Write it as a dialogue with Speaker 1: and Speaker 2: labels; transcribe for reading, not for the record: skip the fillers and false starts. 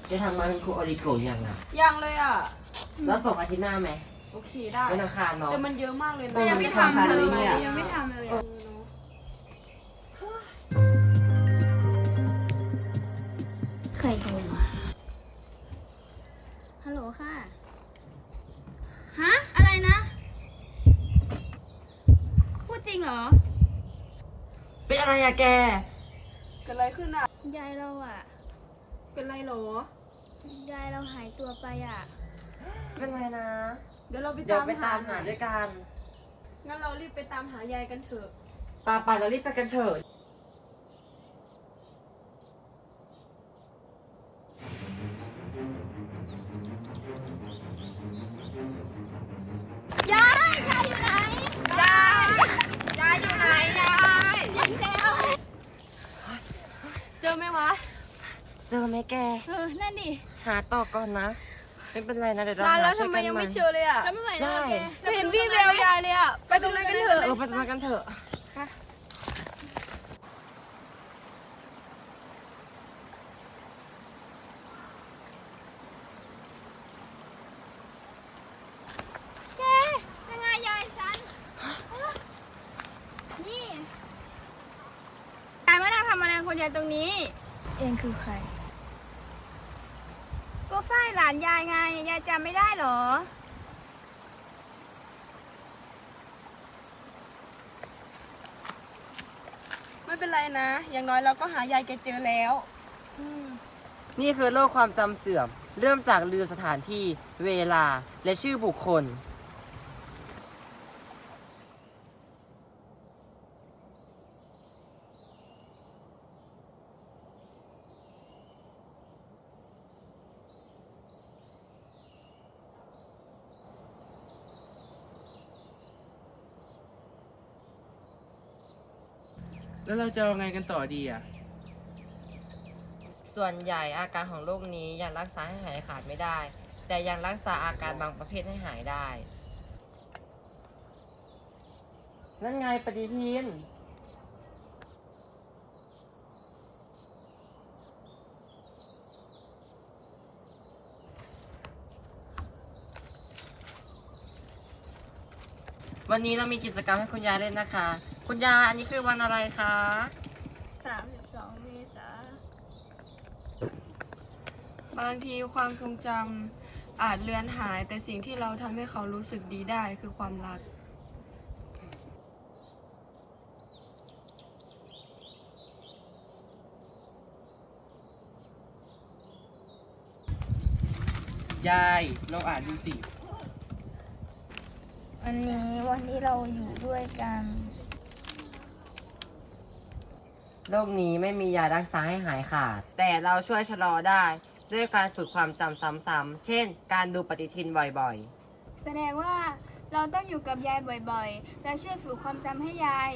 Speaker 1: จะทำงานคุณครูออริโกะยังอ่ะ
Speaker 2: ยังเลยอ่ะ
Speaker 1: แล้วส่งอาทิตย์หน้าไหม
Speaker 2: โอเคได้
Speaker 1: วันอังคารเนาะ
Speaker 2: แต่มันเยอะมากเลยนะ
Speaker 3: ยังไม่ทำเลยยังไม่ทำเลยอะใครโทรมาฮัลโหลค่ะ ฮะ อะไรนะ พูดจริงเหรอ
Speaker 1: เป็นอะไรอะแก
Speaker 2: เกิดอะไรขึ้นอ่ะ
Speaker 3: ยายเราอะ
Speaker 2: เป็นไรหรอ
Speaker 3: ยายเราหายตัวไปอะ
Speaker 1: เป็นไรนะ
Speaker 2: เดี๋ยวเราไป
Speaker 1: เดี๋ยว
Speaker 2: ตาม
Speaker 1: ไปตามหาด้วยกัน
Speaker 2: งั้นเรารีบไปตามหายายกันเถอะ
Speaker 1: ป่าเรารีบไปกันเถอะ
Speaker 3: ยายอยู่ไหน
Speaker 1: ยายอยู่ไหนยาย
Speaker 3: ยังแล้ว
Speaker 2: เจอไหมวะ
Speaker 1: เจอไหมแก
Speaker 3: นั่นดิ
Speaker 1: หาต่อก่อนนะ ไม่เป็นไรนะเดี๋ยวเรา
Speaker 2: นานแล้ว
Speaker 1: หาช่
Speaker 2: ทำ
Speaker 1: วย
Speaker 2: ไม
Speaker 1: กัน
Speaker 2: ยัง
Speaker 1: ใหม่
Speaker 2: ไม่เจอเลยอ่ะ
Speaker 3: จะไม่ไหวแล้ว
Speaker 1: ได้
Speaker 3: แก
Speaker 2: ไม่เห็นวี่แววยายเลยอ่ะ ไปตรงนั้นกันเถอะ
Speaker 1: ไปตรงนั้นกันเถอะ
Speaker 3: แกยังไงยายฉัน นี่ยายมานั่งทำอะไรคนเดียวตรงนี้ เองคือใคร ก็ฝ้ายหลานยายไง ยายจำไม่ได้เหรอ
Speaker 2: ไม่เป็นไรนะ อย่างน้อยเราก็หายายแกเจอแล้ว
Speaker 1: นี่คือโรคความจำเสื่อม เริ่มจากลืมสถานที่ เวลา และชื่อบุคคล
Speaker 4: แล้วเราจะเอาไงกันต่อดีอ่ะ
Speaker 1: ส่วนใหญ่อาการของโรคนี้ยังรักษาให้หายขาดไม่ได้ แต่ยังรักษาอาการบางประเภทให้หายได้ นั่นไงปฏิทิน วันนี้เรามีกิจกรรมให้คุณยายเล่นนะคะ คุณยายอันนี้คือวันอะไรคะ
Speaker 3: 32 เมษา
Speaker 2: บางทีความทรงจำอาจเลือนหาย แต่สิ่งที่เราทำให้เขารู้สึกดีได้คือความรัก
Speaker 4: ยายลองอ่านดูสิ
Speaker 3: วันนี้เราอยู่ด้วยกัน
Speaker 1: โรคนี้ไม่มียารักษาให้หายขาด แต่เราช่วยชะลอได้ ด้วยการฝึกความจำซ้ำๆ เช่น การดูปฏิทินบ่อยๆ
Speaker 3: แสดงว่าเราต้องอยู่กับยายบ่อยๆ และช่วยฝึกความจำให้ยาย